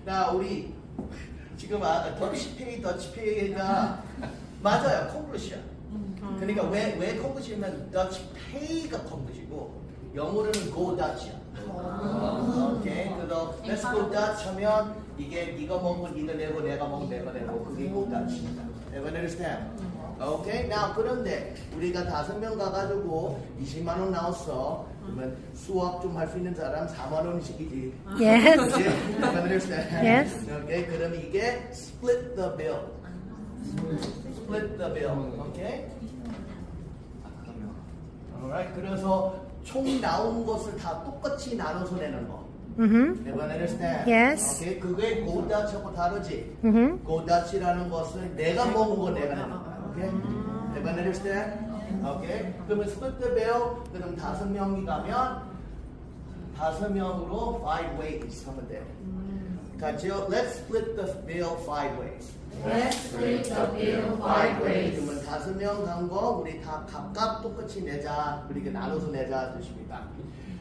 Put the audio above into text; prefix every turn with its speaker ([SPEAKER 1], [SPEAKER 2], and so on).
[SPEAKER 1] 나 우리 지금 더치페이가 맞아요. 콩글리시야. 그러니까 왜 콩글리시면 더치페이가 콩글리시고 영어로는 go Dutch야. 오케이. 그래서 let's go Dutch 하면 이게 네가 먹으면 네가 내고 내가 먹으면 내가 내고 그게 go Dutch입니다. Everyone understand? 오케이. Now 그런데 우리가 5명 가가지고 20만 원 나왔어. 그러면 수학 좀 할 수 있는 사람 4만 원씩이지.
[SPEAKER 2] Yes.
[SPEAKER 1] Everyone understand?
[SPEAKER 2] Yes.
[SPEAKER 1] 오케이. 그럼 이게 split the bill. Split the bill. 오케이. Alright. 그래서 총 나온 것을 다 똑같이 나눠서 내는 거. Everyone understand?
[SPEAKER 2] Yes.
[SPEAKER 1] 오케이. 그게 go Dutch하고 다르지. go Dutch라는 것은 내가 먹은 거 내가 내는 거야. 오케이. Everyone understand? 오케이. 그러면 split the bill. 그럼 5명이 가면 5명으로 5 ways 하면 돼. 같이요. Let's split the bill 5 ways.
[SPEAKER 3] Let's split the bill 5 ways.
[SPEAKER 1] 그러면 5명 간 거 우리 다 각각 똑같이 내자. 그렇게 나눠서 내자 뜻입니다.